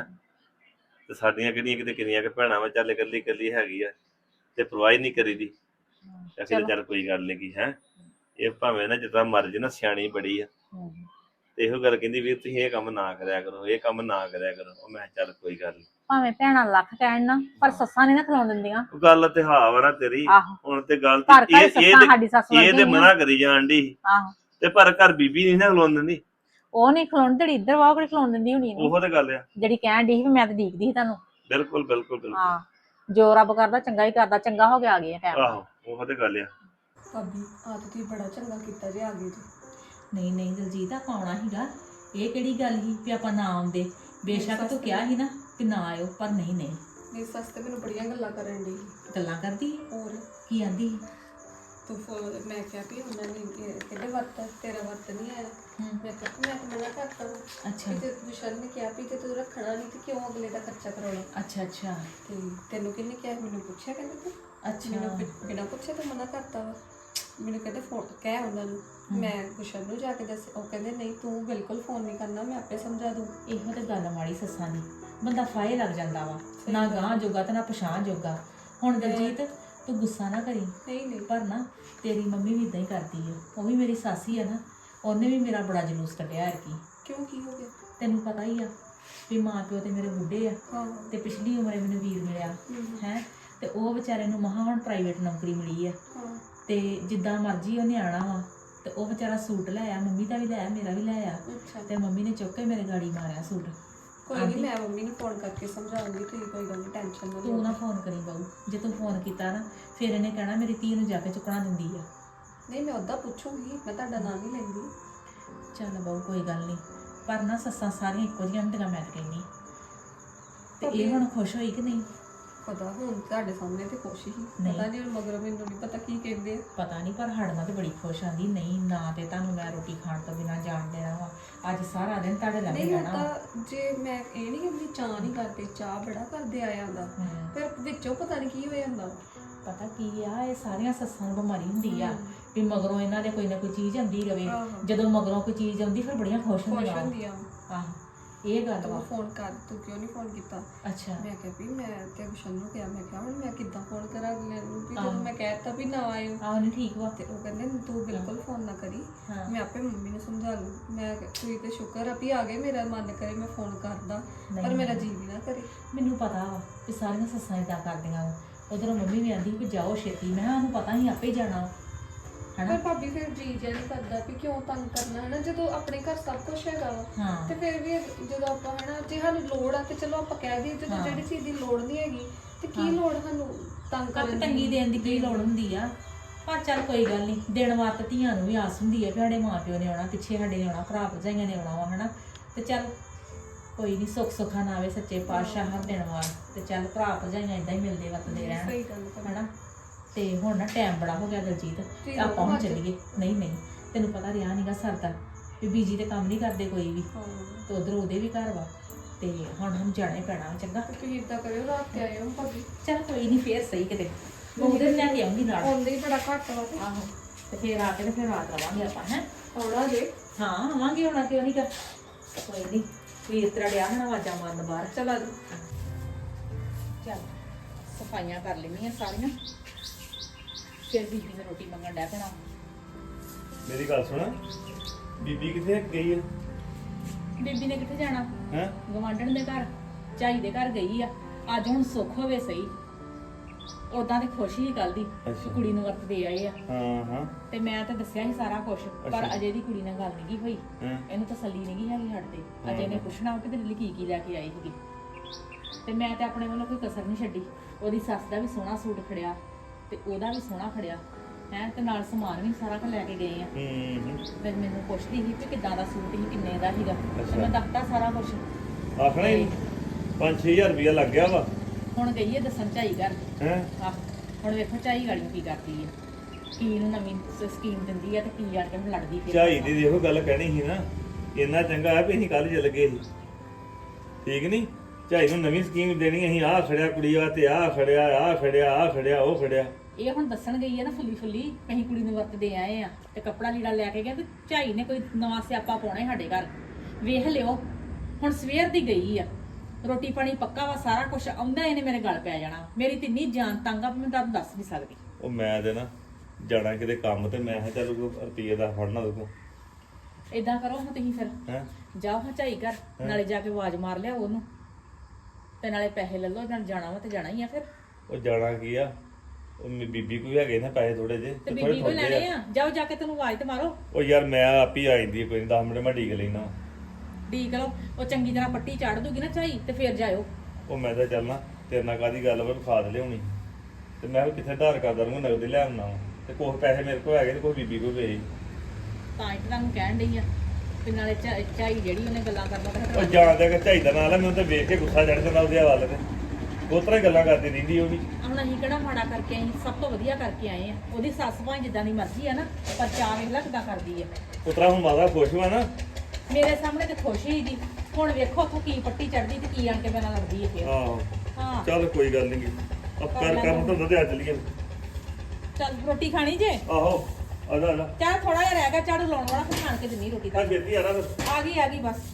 Speaker 5: ਤੇ ਸਾਡੀਆਂ ਕਿਹੜੀਆਂ ਕਿਤੇ ਕਿੰਨੀਆਂ ਕਿ ਭੈਣਾਂ ਵਾ, ਚੱਲ ਇਕੱਲੀ ਇਕੱਲੀ ਹੈਗੀ ਆ ਤੇ ਪਰਵਾਹ ਹੀ ਨਹੀਂ ਕਰੀਦੀ। ਅਸੀਂ
Speaker 6: ਚਲੋ।
Speaker 5: ਚੱਲ ਕੋਈ ਗੱਲ ਨਹੀਂ ਕੀ ਹੈ। ਇਹ ਭਾਵੇਂ ਨਾ ਜਿੱਦਾਂ ਮਰਜ਼ੀ ਨਾ ਸਿਆਣੀ ਬੜੀ ਆ
Speaker 6: ਹਮ।
Speaker 5: ਤੇ ਇਹੋ ਗੱਲ ਕਹਿੰਦੀ ਵੀ ਤੁਸੀਂ ਇਹ ਕੰਮ ਨਾ ਕਰਿਆ ਕਰੋ, ਇਹ ਕੰਮ ਨਾ ਕਰਿਆ ਕਰੋ। ਉਹ ਮੈਂ ਕਿਹਾ ਚੱਲ ਕੋਈ ਗੱਲ ਨੀ।
Speaker 6: ਭਾਵੇਂ ਭੈਣਾਂ ਲੱਖ ਕਹਿਣ ਨਾ ਪਰ ਸੱਸਾਂ ਨਹੀਂ ਨਾ ਖਲੋਣ ਦਿੰਦੀਆਂ।
Speaker 5: ਉਹ ਗੱਲ ਤੇ ਹਾਂ ਵਾ ਨਾ ਤੇਰੀ।
Speaker 6: ਆਹੋ
Speaker 5: ਹੁਣ ਤੇ ਗੱਲ
Speaker 6: ਘਰ
Speaker 5: ਤੇ
Speaker 6: ਘਰ
Speaker 5: ਇਹ
Speaker 6: ਸੱਸਾਂ
Speaker 5: ਇਹ
Speaker 6: ਸਾਡੀ ਸੱਸ
Speaker 5: ਤੇ- ਇਹ ਤੇ
Speaker 6: ਵਰਗੀਆਂ
Speaker 5: ਮਨਾ ਕਰੀ ਜਾਣ ਦੀ
Speaker 6: ਆਹੋ
Speaker 5: ਤੇ ਪਰ ਘਰ ਬੀਬੀ ਨਹੀਂ ਨਾ ਖਲੋਣ ਦਿੰਦੀ।
Speaker 6: ਉਹ ਨਹੀਂ ਖਲੋਣ ਜਿਹੜੀ ਇੱਧਰ ਵਾ ਉਹ ਕਿਹੜੀ ਖਲੋਣ ਦਿੰਦੀ ਹੋਣੀ ਇਹਨੂੰ।
Speaker 5: ਉਹੋ ਤੇ ਗੱਲ ਆ।
Speaker 6: ਜਿਹੜੀ ਕਹਿਣ ਦੀ ਸੀ ਵੀ ਮੈਂ ਤੇ ਡੀਕਦੀ ਸੀ ਤੁਹਾਨੂੰ।
Speaker 5: ਬਿਲਕੁਲ ਬਿਲਕੁਲ ਬਿਲਕੁਲ।
Speaker 6: ਹਾਂ ਜੋ ਰੱਬ ਕਰਦਾ ਚੰਗਾ ਹੀ ਕਰਦਾ, ਚੰਗਾ ਹੋ ਗਿਆ ਆ ਗਏ ਟਾਈਮ।
Speaker 5: ਆਹੋ ਉਹੋ ਤੇ ਗੱਲ ਆ।
Speaker 2: ਭਾਬੀ ਆ ਤਾਂ ਤੁਸੀਂ ਬੜਾ ਚੰਗਾ ਕੀਤਾ ਜੇ ਆ ਗਏ ਜੀ।
Speaker 7: ਨਹੀਂ ਨਹੀਂ ਦਲਜੀਤ ਆਪਾਂ ਆਉਣਾ ਸੀਗਾ। ਇਹ ਕਿਹੜੀ ਗੱਲ ਸੀ ਵੀ ਆਪਾਂ ਨਾ ਆਉਂਦੇ। ਬੇਸ਼ੱਕ ਤੂੰ ਕਿਹਾ ਸੀ ਨਾ ਕਿ ਨਾ ਆਇਓ, ਪਰ ਨਹੀਂ ਨਹੀਂ
Speaker 2: ਮੇਰੀ ਸੱਸ ਤੇ ਮੈਨੂੰ ਬੜੀਆਂ ਗੱਲਾਂ ਕਰਨ ਦੀ
Speaker 7: ਗੱਲਾਂ ਕਰਦੀ
Speaker 2: ਹੋਰ
Speaker 7: ਕੀ ਆਂਦੀ
Speaker 2: ਤੂੰ ਫੋ- ਮੈਂ ਕਿਹਾ ਵੀ ਉਹਨਾਂ ਨੇ ਇਹ- ਕਹਿੰਦੇ ਵਰਤ ਤੇਰਾ ਵਰਤ ਨਹੀਂ ਆਇਆ।
Speaker 7: ਹੂੰ
Speaker 2: ਮੈਂ ਕਿਹਾ ਮੈਂ ਤਾਂ ਮਨਾ ਕਰਤਾ ਵਾ।
Speaker 7: ਅੱਛਾ
Speaker 2: ਵੀ ਤੇ ਵਿਸ਼ਾਲ ਨੇ ਕਿਹਾ ਵੀ ਤੇ ਤੂੰ ਰੱਖਣਾ ਨਹੀਂ ਤੇ ਕਿਉਂ ਅਗਲੇ ਦਾ ਖਰਚਾ ਕਰਾਉਣਾ।
Speaker 7: ਅੱਛਾ ਅੱਛਾ
Speaker 2: ਤੇ ਤੈਨੂੰ ਕਿਹਨੇ ਕਿਹਾ? ਮੈਨੂੰ ਪੁੱਛਿਆ ਕਹਿੰਦੇ ਤੂੰ
Speaker 7: ਅੱਛਾ
Speaker 2: ਮੈਨੂੰ ਬਿ- ਬਿਨਾਂ ਪੁੱਛੇ ਤਾਂ ਮਨਾ ਕਰਤਾ ਵਾ। ਮੈਨੂੰ ਕਹਿੰਦੇ ਫੋਨ ਕਹਿ ਉਹਨਾਂ ਨੂੰ। ਮੈਂ ਗੁਸ਼ਨ ਨੂੰ ਜਾ ਕੇ ਦੱਸ, ਉਹ ਕਹਿੰਦੇ ਨਹੀਂ ਤੂੰ ਬਿਲਕੁਲ ਫੋਨ ਨਹੀਂ ਕਰਨਾ, ਮੈਂ ਆਪੇ ਸਮਝਾ ਦੂੰ।
Speaker 7: ਇਹੋ ਤੇ ਗੱਲ ਮਾੜੀ ਸੱਸਾਂ ਦੀ, ਬੰਦਾ ਫਾਇ ਲੱਗ ਜਾਂਦਾ ਵਾ।
Speaker 2: ਸਹੀ
Speaker 7: ਨਾ
Speaker 2: ਗੱਲ।
Speaker 7: ਗਾਂ ਜੋਗਾ ਤੇ ਨਾ ਪਛਾਣ ਜੋਗਾ। ਹੁਣ ਦਲਜੀਤ ਤੂੰ ਗੁੱਸਾ ਨਾ ਕਰੀ,
Speaker 2: ਨਹੀਂ ਨਹੀਂ
Speaker 7: ਪਰ ਨਾ ਤੇਰੀ ਮੰਮੀ ਵੀ ਇਦਾਂ ਹੀ ਕਰਦੀ ਆ। ਉਹ ਵੀ ਮੇਰੀ ਸਾਸੀ ਆ ਨਾ, ਉਹਨੇ ਵੀ ਮੇਰਾ ਬੜਾ ਜਲੂਸ ਕੱਢਿਆ ਹੈ ਕੀ।
Speaker 2: ਕਿਉਂ ਕੀ ਹੋ ਗਿਆ?
Speaker 7: ਤੈਨੂੰ ਪਤਾ ਹੀ ਆ ਵੀ ਮਾਂ ਪਿਓ ਤੇ ਮੇਰੇ ਬੁੱਢੇ ਆ
Speaker 2: ਹਾਂ
Speaker 7: ਤੇ ਪਿਛਲੀ ਉਮਰੇ ਮੈਨੂੰ ਵੀਰ ਮਿਲਿਆ
Speaker 2: ਹਮ,
Speaker 7: ਹੈ ਤੇ ਉਹ ਵਿਚਾਰੇ ਨੂੰ ਮਹਾ ਹੁਣ ਪ੍ਰਾਈਵੇਟ ਨੌਕਰੀ ਮਿਲੀ ਆ
Speaker 2: ਹਾਂ
Speaker 7: ਤੇ ਜਿੱਦਾਂ ਮਰਜ਼ੀ ਉਹਨੇ ਆਣਾ ਵਾ ਤੇ ਉਹ ਵਿਚਾਰਾ ਸੂਟ ਲੈ ਆ, ਮੰਮੀ ਦਾ ਵੀ ਲੈ ਆ, ਮੇਰਾ ਵੀ ਲੈ ਆ
Speaker 2: ਅੱਛਾ
Speaker 7: ਤੇ ਮੰਮੀ ਨੇ ਚੁੱਕ ਕੇ ਮੇਰੇ ਗਾੜੀ ਮਾਰਿਆ ਸੂਟ।
Speaker 2: ਕੋਈ
Speaker 7: ਆਂਟੀ।
Speaker 2: ਨਹੀਂ, ਮੈਂ ਮੰਮੀ ਨੂੰ ਫੋਨ ਕਰਕੇ ਸਮਝਾਉਂਗੀ। ਤੁਸੀਂ ਕੋਈ ਗੱਲ ਨਹੀਂ ਟੈਨਸ਼ਨ ਨਾ
Speaker 7: ਤੂੰ
Speaker 2: ਲਓ।
Speaker 7: ਨਾ ਫੋਨ ਕਰੀ ਬਾਊ, ਜੇ ਤੂੰ ਫੋਨ ਕੀਤਾ ਨਾ ਫਿਰ ਇਹਨੇ ਕਹਿਣਾ ਮੇਰੀ ਧੀ ਨੂੰ ਜਾ ਕੇ ਚੁੱਕਣਾ ਦਿੰਦੀ ਆ।
Speaker 2: ਨਹੀਂ ਮੈਂ ਉੱਦਾਂ ਪੁੱਛੂੰਗੀ, ਮੈਂ ਤੁਹਾਡਾ ਨਾਮ ਨਹੀਂ ਲੈਂਦੀ।
Speaker 7: ਚੱਲ ਬਾਊ ਕੋਈ ਗੱਲ ਨਹੀਂ, ਪਰ ਨਾ ਸੱਸਾਂ ਸਾਰੀਆਂ ਇੱਕੋ ਜਿਹੀਆਂ ਹੁੰਦੀਆਂ ਮੈਂ ਤਾਂ ਕਹਿੰਦੀ। ਤੇ ਇਹ ਹੁਣ ਖੁਸ਼ ਹੋਈ ਕਿ ਨਹੀਂ?
Speaker 2: ਪਤਾ ਹੁਣ ਤੁਹਾਡੇ ਸਾਹਮਣੇ ਤੇ ਖੁਸ਼ ਹੀ
Speaker 7: ਨਹੀਂ।
Speaker 2: ਪਤਾ ਨਹੀਂ ਹੁਣ ਮਗਰ ਮੈਨੂੰ ਨਹੀਂ ਪਤਾ ਕੀ ਕਹਿੰਦੇ ਆ।
Speaker 7: ਪਤਾ ਨਹੀਂ, ਪਰ ਸਾਡੇ ਨਾਲ ਤੇ ਬੜੀ ਖੁਸ਼ ਆਂਦੀ ਨਹੀਂ ਨਾ ਤੇ ਤੁਹਾਨੂੰ ਮੈਂ ਰੋਟੀ ਖਾਣ ਤੋਂ ਬਿਨਾਂ ਜਾਣ ਦੇਣਾ ਵਾ। ਅੱਜ ਸਾਰਾ ਦਿਨ ਤੁਹਾਡੇ ਲਾਗੇ
Speaker 2: ਨਹੀਂ
Speaker 7: ਰਹਿਣਾ ਵਾ।
Speaker 2: ਹੁੰਦਾ ਜੇ ਮੈਂ ਇਹ ਨਹੀਂ ਕਹਿੰਦੀ ਚਾਹ ਨਹੀਂ ਕਰਦੇ, ਚਾਹ ਬੜਾ ਕਰਦੇ ਆਇਆ ਹੁੰਦਾ।
Speaker 7: ਹਮ,
Speaker 2: ਫਿਰ ਵਿੱਚੋਂ ਪਤਾ ਨਹੀਂ ਕੀ ਹੋ ਜਾਂਦਾ।
Speaker 7: ਪਤਾ ਕੀ ਆ, ਇਹ ਸਾਰੀਆਂ ਸੱਸਾਂ ਨੂੰ ਬਿਮਾਰੀ ਹੁੰਦੀ ਆ ਵੀ ਮਗਰੋਂ ਇਹਨਾਂ ਦੇ ਕੋਈ ਨਾ ਕੋਈ ਚੀਜ਼ ਆਉਂਦੀ ਰਵੇ।
Speaker 2: ਆਹੋ।
Speaker 7: ਜਦੋਂ ਮਗਰੋਂ ਕੋਈ ਚੀਜ਼ ਆਉਂਦੀ ਫਿਰ ਬੜੀਆਂ ਖੁਸ਼
Speaker 2: ਖੁਸ਼
Speaker 7: ਹੁੰਦੀਆਂ ਵਾ।
Speaker 2: ਹੁੰਦੀ ਆ।
Speaker 7: ਆਹੋ ਇਹ ਗੱਲ
Speaker 2: ਤੂੰ
Speaker 7: ਵਾ।
Speaker 2: ਫੋਨ ਕਰ, ਤੂੰ ਕਿਉਂ ਨਹੀਂ ਫੋਨ ਕੀਤਾ?
Speaker 7: ਅੱਛਾ
Speaker 2: ਮੈਂ ਕਿਹਾ ਵੀ ਮੈਂ ਤੇ ਗੁਸ਼ਨ ਨੂੰ ਕਿਹਾ, ਮੈਂ ਕਿਹਾ ਹੁਣ ਮੈਂ ਕਿੱਦਾਂ ਫੋਨ ਕਰਾਂ ਅਗਲੇ ਨੂੰ ਵੀ
Speaker 7: ਆਹੋ।
Speaker 2: ਜਦੋਂ ਮੈਂ ਕਹਿਤਾ ਵੀ ਨਾ ਆਇਓ।
Speaker 7: ਆਹ ਨਹੀਂ ਠੀਕ ਵਾ।
Speaker 2: ਤੇ ਉਹ ਕਹਿੰਦੇ ਤੂੰ ਬਿਲਕੁਲ ਫੋਨ ਨਾ ਕਰੀ,
Speaker 7: ਹਾਂ
Speaker 2: ਮੈਂ ਆਪੇ ਮੰਮੀ ਨੂੰ ਸਮਝਾ ਲੂ। ਮੈਂ ਕਿਹਾ, ਤੁਸੀਂ ਤੇ ਸ਼ੁਕਰ ਆ ਵੀ ਆ ਗਏ, ਮੇਰਾ ਮਨ ਕਰੇ ਮੈਂ ਫੋਨ ਕਰਦਾ ਪਰ
Speaker 7: ਨਹੀਂ,
Speaker 2: ਮੇਰਾ ਜੀ ਵੀ ਨਾ ਕਰੇ।
Speaker 7: ਮੈਨੂੰ ਪਤਾ ਵਾ ਵੀ ਸਾਰੀਆਂ ਸੱਸਾਂ ਇਦਾਂ ਕਰਦੀਆਂ ਵਾ। ਉਧਰੋਂ ਮੰਮੀ ਵੀ ਆਂਦੀ ਵੀ ਜਾਓ ਛੇਤੀ। ਮੈਂ ਕਿਹਾ ਉਹਨੂੰ ਪਤਾ ਹੀ ਆਪੇ ਹੀ ਜਾਣਾ
Speaker 2: ਪਰ
Speaker 7: ਹਨਾ।
Speaker 2: ਭਾਬੀ ਫਿਰ ਜੀ ਜਿਹਾ ਨਹੀਂ ਕਰਦਾ ਵੀ ਕਿਉਂ ਤੰਗ ਕਰਨਾ ਹੈ ਨਾ, ਜਦੋਂ ਆਪਣੇ ਘਰ ਸਭ ਕੁਝ ਹੈਗਾ ਵਾ।
Speaker 7: ਹਾਂ
Speaker 2: ਤੇ ਫਿਰ ਵੀ ਜਦੋਂ ਆਪਾਂ ਹਨਾ ਜੇ ਸਾਨੂੰ ਲੋੜ ਆ ਤੇ ਚਲੋ ਆਪਾਂ ਕਹਿ ਦਈਏ, ਜਦੋਂ
Speaker 7: ਹਾਂ।
Speaker 2: ਜਿਹੜੀ ਚੀਜ਼ ਦੀ ਲੋੜ ਨਹੀਂ ਹੈਗੀ ਤੇ ਕੀ
Speaker 7: ਹਾਂ।
Speaker 2: ਲੋੜ ਸਾਨੂੰ ਤੰਗ
Speaker 7: ਕੱਪ
Speaker 2: ਕਰਨ
Speaker 7: ਤੰਗੀ ਦੇਣ ਦੀ ਕੀ ਲੋੜ ਹੁੰਦੀ ਆ। ਪਰ ਚੱਲ ਕੋਈ ਗੱਲ ਨਹੀਂ, ਦਿਨ ਵਾਰ ਤਾਂ ਧੀਆਂ ਨੂੰ ਵੀ ਆਸ ਹੁੰਦੀ ਆ ਵੀ ਸਾਡੇ ਮਾਂ ਪਿਓ ਨੇ ਆਉਣਾ, ਪਿੱਛੇ ਸਾਡੇ ਨੇ ਆਉਣਾ, ਭਰਾ ਭਰਜਾਈਆਂ ਨੇ ਆਉਣਾ ਵਾ ਹਨਾ। ਤੇ ਚੱਲ ਕੋਈ ਨਹੀਂ, ਸੁੱਖ ਸੁੱਖਾ ਨਾ ਆਵੇ ਸੱਚੇ ਪਾਤਸ਼ਾਹ ਹਰ ਦਿਨ ਵਾਰ। ਤੇ ਚੱਲ ਭਰਾ ਭਰਜਾਈਆਂ ਇਦਾਂ ਹੀ ਮਿਲਦੇ ਵਰਤਦੇ ਰਹਿਣ
Speaker 2: ਸਹੀ ਗੱਲ ਕਰ
Speaker 7: ਹਨਾ। ਤੇ ਹੁਣ ਨਾ ਟਾਈਮ ਬੜਾ ਹੋ ਗਿਆ ਦਲਜੀਤ,
Speaker 2: ਜੀ,
Speaker 7: ਤੇ ਆਪਾਂ ਹੁਣ
Speaker 2: ਅੱਜ-
Speaker 7: ਚੱਲੀਏ। ਨਹੀਂ ਨਹੀਂ ਤੈਨੂੰ ਪਤਾ ਰਿਹਾ ਨਹੀਂਗਾ ਸਰਦਾ ਵੀ ਬੀਜੀ ਤੇ ਕੰਮ ਨਹੀਂ ਕਰਦੇ ਕੋਈ ਵੀ,
Speaker 2: ਹਾਂ
Speaker 7: ਤੇ ਉਧਰ ਉਹਦੇ ਵੀ ਘਰ ਵਾ ਤੇ ਹੁਣ ਹਮ ਜਾਣਾ ਹੀ ਪੈਣਾ ਵਾ, ਚੰਗਾ।
Speaker 2: ਤੇ ਤੁਸੀਂ ਇਦਾਂ ਕਰਿਓ, ਰਾਤ ਤੇ ਆਇਓ ਭਾਬੀ।
Speaker 7: ਚੱਲ ਕੋਈ ਨਹੀਂ, ਫੇਰ ਸਹੀ ਕਿਤੇ ਮੈਂ ਉਹਦੇ ਲੈ ਕੇ ਆਉਂਗੀ ਨਾਲ।
Speaker 2: ਆਉਂਦੇ ਹੀ ਬੜਾ ਘੱਟ ਵਾ ਤੇ
Speaker 7: ਆਹੋ ਤੇ ਫੇਰ ਆ ਕੇ ਤੇ ਫਿਰ ਰਾਤ ਰਵਾਂਗੇ ਆਪਾਂ ਹੈ।
Speaker 2: ਆਉਣਾ ਜੇ।
Speaker 7: ਹਾਂ ਆਵਾਂਗੇ, ਹੋਣਾ ਕਿਉਂ ਨਹੀਂ ਕਰ। ਕੋਈ ਨਹੀਂ, ਵੀਰ ਤੇਰਾ ਡਿਆ ਹੁਣ ਆਵਾਜ਼ਾਂ ਮਾਰਨ ਬਾਹਰ।
Speaker 2: ਚਲਾ ਜੀ।
Speaker 6: ਚੱਲ ਸਫਾਈਆਂ ਕਰ ਲੈਣੀਆਂ ਸਾਰੀਆਂ, ਫਿਰ ਬੀਬੀ ਨੇ ਰੋਟੀ ਮੰਗਣ ਡੈ ਪੈਣਾ।
Speaker 5: ਮੇਰੀ ਗੱਲ ਸੁਣ, ਬੀਬੀ ਕਿੱਥੇ ਗਈ ਆ?
Speaker 6: ਬੀਬੀ ਨੇ ਕਿੱਥੇ ਜਾਣਾ,
Speaker 5: ਹੈ
Speaker 6: ਗਵਾਂਢਣ ਦੇ ਘਰ, ਝਾਈ ਦੇ ਘਰ ਗਈ ਆ। ਅੱਜ ਹੁਣ ਸੁੱਖ ਹੋਵੇ ਸਹੀ, ਉਦਾਂ ਤੇ ਖੁਸ਼ੀ ਹੀ ਕੱਲ ਦੀ
Speaker 5: ਅੱਛਾ।
Speaker 6: ਕੁੜੀ ਨੂੰ ਵਰਤ ਦੇ ਆਏ ਆ।
Speaker 5: ਹਾਂ ਹਾਂ
Speaker 6: ਤੇ ਮੈਂ ਤਾਂ ਦੱਸਿਆ ਸੀ ਸਾਰਾ ਕੁਝ, ਪਰ
Speaker 5: ਅੱਛਾ।
Speaker 6: ਅਜੇ ਦੀ ਕੁੜੀ ਨਾਲ ਗੱਲ ਨਹੀਂ ਗੀ ਹੋਈ।
Speaker 5: ਹਾਂ
Speaker 6: ਇਹਨੂੰ ਤਸੱਲੀ ਨਹੀਂ ਗੀ ਹੈਗੀ ਸਾਡੇ ਤੇ। ਅਜੇ ਨੇ
Speaker 5: ਹਾਂ।
Speaker 6: ਪੁੱਛਣਾ ਕਿ ਤੇਰੇ ਲਈ ਕੀ ਕੀ ਲੈ ਕੇ ਆਈ ਸੀਗੀ। ਤੇ ਮੈਂ ਤੇ ਆਪਣੇ ਵੱਲੋਂ ਕੋਈ ਕਸਰ ਨਹੀਂ ਛੱਡੀ। ਉਹਦੀ ਸੱਸ ਦਾ ਵੀ ਸੋਹਣਾ ਸੂਟ ਖੜਿਆ ਤੇ ਉਹਦਾ ਵੀ ਸੋਹਣਾ ਖੜਿਆ ਹੈ, ਤੇ ਨਾਲ ਸਮਾਨ ਵੀ ਸਾਰਾ ਕੁਝ ਲੈ ਕੇ ਗਏ ਆ।
Speaker 5: ਹੂੰ ਹੂੰ
Speaker 6: ਫਿਰ ਮੈਨੂੰ ਪੁੱਛਦੀ ਸੀ ਕਿ ਕਿੱਦਾਂ ਦਾ ਸੂਟ ਸੀ, ਕਿੰਨੇ ਦਾ ਸੀਗਾ, ਤੇ
Speaker 5: ਅੱਛਾ।
Speaker 6: ਮੈਂ ਦੱਸਤਾ ਸਾਰਾ ਕੁਝ।
Speaker 5: ਆਖਣਾ ਹੀ ਪੰਜ ਛੇ ਹਜ਼ਾਰ ਰੁਪਇਆ ਲੱਗ ਗਿਆ ਵਾ
Speaker 6: ਹੁਣ ਗਈ ਹੈ ਦੱਸਣ ਝਾਈ ਘਰ
Speaker 5: ਹੈ
Speaker 6: ਆਹ ਹੁਣ ਵੇਖੋ ਝਾਈ ਗਾੜੀ ਕੀ ਕਰਦੀ ਹੈ ਕੀ ਨੂੰ ਨਵੀਂ ਸਕੀਮ ਦਿੰਦੀ ਹੈ ਤੇ ਕੀ ਆ ਕੇ ਹੁਣ ਲੜਦੀ ਫਿਰ
Speaker 5: ਝਾਈ ਦੀ ਦੇਖੋ ਗੱਲ ਕਹਿਣੀ ਸੀ ਨਾ ਇੰਨਾ ਚੰਗਾ ਆ ਵੀ ਅਸੀਂ ਕੱਲ ਚੱਲ ਗਏ ਸੀ ਠੀਕ ਨਹੀਂ ਝਾਈ ਨੂੰ ਨਵੀਂ ਸਕੀਮ ਦੇਣੀ ਅਸੀਂ ਆਹ ਖੜਿਆ ਕੁੜੀ ਆ ਤੇ ਆਹ ਖੜਿਆ ਆਹ ਖੜਿਆ ਆਹ ਖੜਿਆ ਉਹ ਖੜਿਆ
Speaker 6: ਇਹ ਹੁਣ ਦੱਸਣ ਗਈ ਹੈ ਨਾ ਫੁੱਲੀ ਫੁੱਲੀ ਅਸੀਂ ਕੁੜੀ ਨੂੰ ਵਰਤਦੇ ਆਏ ਆ ਤੇ ਕੱਪੜਾ ਲੀੜਾ ਲੈ ਕੇ ਗਏ ਤੇ ਝਾਈ ਨੇ ਕੋਈ ਨਵਾਂ ਸਿਆਪਾ ਪਾਉਣਾ ਹੈ ਸਾਡੇ ਘਰ ਵੇਖ ਲਿਓ ਹੁਣ ਸਵੇਰ ਦੀ ਗਈ ਆ ਰੋਟੀ ਪਾਣੀ ਪੱਕਾ ਵਾ ਸਾਰਾ ਕੁਝ ਆਉਂਦਾ ਇਹਨੇ ਮੇਰੇ ਗਲ ਪੈ ਜਾਣਾ ਮੇਰੀ ਤੇ ਇੰਨੀ ਜਾਨ ਤੰਗ ਆ ਵੀ ਮੈਂ ਤੁਹਾਨੂੰ ਦੱਸ ਨਹੀਂ ਸਕਦੀ
Speaker 5: ਉਹ ਮੈਂ ਤੇ ਨਾ ਜਾਣਾ ਕਿਤੇ ਕੰਮ ਤੇ ਮੈਂ ਕਿਹਾ ਚੱਲ ਕੋਈ ਰੁਪਈਏ ਦਾ ਫੜਨਾ ਉਹਦੇ
Speaker 6: ਏਦਾਂ ਕਰੋ ਹੁਣ ਤੁਸੀਂ ਫਿਰ
Speaker 5: ਹੈ
Speaker 6: ਜਾਓ ਹਾਂ ਝਾਈ ਘਰ ਨਾਲੇ ਜਾ ਕੇ ਆਵਾਜ਼ ਮਾਰ ਲਿਆ ਉਹਨੂੰ ਤੇ ਨਾਲੇ ਪੈਸੇ ਲੈ ਲਓ ਨਾਲ ਜਾਣਾ ਵਾ ਤੇ ਜਾਣਾ ਹੀ ਆ ਫਿਰ
Speaker 5: ਉਹ ਜਾਣਾ ਕੀ ਆ ਉਹ ਮੇਰੀ ਬੀਬੀ ਕੋਈ ਹੈਗੇ ਨਾ ਪੈਸੇ ਥੋੜੇ ਜਿਹੇ
Speaker 6: ਤੇ
Speaker 5: ਤੇ
Speaker 6: ਬੀਬੀ ਕੋਲ
Speaker 5: ਥੋੜ੍ਹੇ
Speaker 6: ਲੈਣੇ ਆ ਜਾਓ ਜਾ ਕੇ ਤੈਨੂੰ ਆਵਾਜ਼ ਤੇ ਮਾਰੋ
Speaker 5: ਉਹ ਯਾਰ ਮੈਂ ਆਪ ਹੀ ਆ ਜਾਂਦੀ ਕੋਈ ਨਹੀਂ ਦਸ ਮਿੰਟ ਮੈਂ ਡੀਕ ਲੈਣਾ
Speaker 6: ਡੀਕ ਲਓ ਉਹ ਚੰਗੀ ਤਰ੍ਹਾਂ ਪੱਟੀ ਚਾੜ ਦੂਗੀ ਨਾ ਝਾਈ ਤੇ ਫਿਰ ਜਾਇਓ
Speaker 5: ਉਹ ਮੈਂ ਤਾਂ ਚੱਲਣਾ ਤੇਰੇ ਨਾਲ ਕਾਦੀ ਗੱਲ ਵਾ ਖਾਦ ਲਿਆਉਣੀ ਤੇ ਮੈਂ ਵੀ ਕਿੱਥੇ ਧਾਰ ਕਰਦਾ ਰਹੂੰਗਾ ਨਗਦ ਲੈ ਆਉਣਾ ਤੇ ਕੋਈ ਪੈਸੇ ਮੇਰੇ ਕੋਲ ਹੈਗੇ ਤੇ ਕੋਈ ਬੀਬੀ ਕੋਲ ਵੇਚ
Speaker 6: ਤਾਂ ਹੀ ਤਾਂ ਤੁਹਾਨੂੰ ਕਹਿਣ ਡਈ ਆ ਤੇ ਨਾਲੇ ਝਾ- ਝਾਈ ਜਿਹੜੀ ਉਹਨੇ ਗੱਲਾਂ ਕਰਨਾ ਤੇ
Speaker 5: ਉਹ ਜਾਣਦੇ ਕਿ ਝਾਈ ਦਾ ਨਾਲ ਆ ਮੈਨੂੰ ਤਾਂ ਵੇਖ ਕੇ ਗੁੱਸਾ ਚੜ ਜਾਂਦਾ ਉਹਦੇ ਵੱਲ ਤੇ ਉਸ ਤਰ੍ਹਾਂ ਹੀ ਗੱਲਾਂ ਕਰਦੀ ਰਹਿੰਦੀ ਉਹ ਵੀ
Speaker 6: ਹੁਣ ਅਸੀਂ ਕਿਹੜਾ ਮਾੜਾ ਕਰਕੇ ਆਏ ਸਭ ਤੋਂ ਵਧੀਆ ਕਰਕੇ ਆਏ ਆ ਉਹਦੀ ਸੱਸ ਭਾਂ ਜਿੱਦਾਂ ਦੀ ਮਰਜ਼ੀ ਆ ਨਾ ਪਰ ਚਾਹ ਵੇਖ ਲੈ ਕਿੱਦਾਂ ਕਰਦੀ ਆ
Speaker 5: ਉਸ ਤਰ੍ਹਾਂ ਹੁਣ ਮਾਤਾ ਖੁਸ਼ ਵਾ ਨਾ
Speaker 6: ਮੇਰੇ ਸਾਹਮਣੇ ਤੇ ਖੁਸ਼ ਹੀ ਦੀ ਹੁਣ ਵੇਖੋ ਉੱਥੋਂ ਕੀ ਪੱਟੀ ਚੜਦੀ ਤੇ ਕੀ ਆਣ ਕੇ ਮੇਰੇ ਨਾਲ ਲੜਦੀ ਹੈ ਫਿਰ
Speaker 5: ਆਹੋ
Speaker 6: ਹਾਂ
Speaker 5: ਚੱਲ ਕੋਈ ਗੱਲ ਨਹੀਂ ਅਬ ਕਰ ਕੰਮ ਤਾਂ ਤੇ ਅੱਜ ਲਈਏ
Speaker 6: ਚੱਲ ਰੋਟੀ ਖਾਣੀ ਜੇ
Speaker 5: ਆਹੋ ਆ ਜਾ ਆ ਜਾ
Speaker 6: ਚਾਹ ਥੋੜਾ ਜਿਹਾ ਰਹਿ ਗਿਆ ਝਾੜੂ ਲਾਉਣ ਵਾਲਾ ਫਿਰ ਖਾਣ ਕੇ ਦਿੰਨੀ ਰੋਟੀ
Speaker 5: ਆ
Speaker 6: ਤਾਂ
Speaker 5: ਛੇਤੀ ਆ ਨਾ
Speaker 6: ਆ ਗਈ ਆ ਗਈ ਬਸ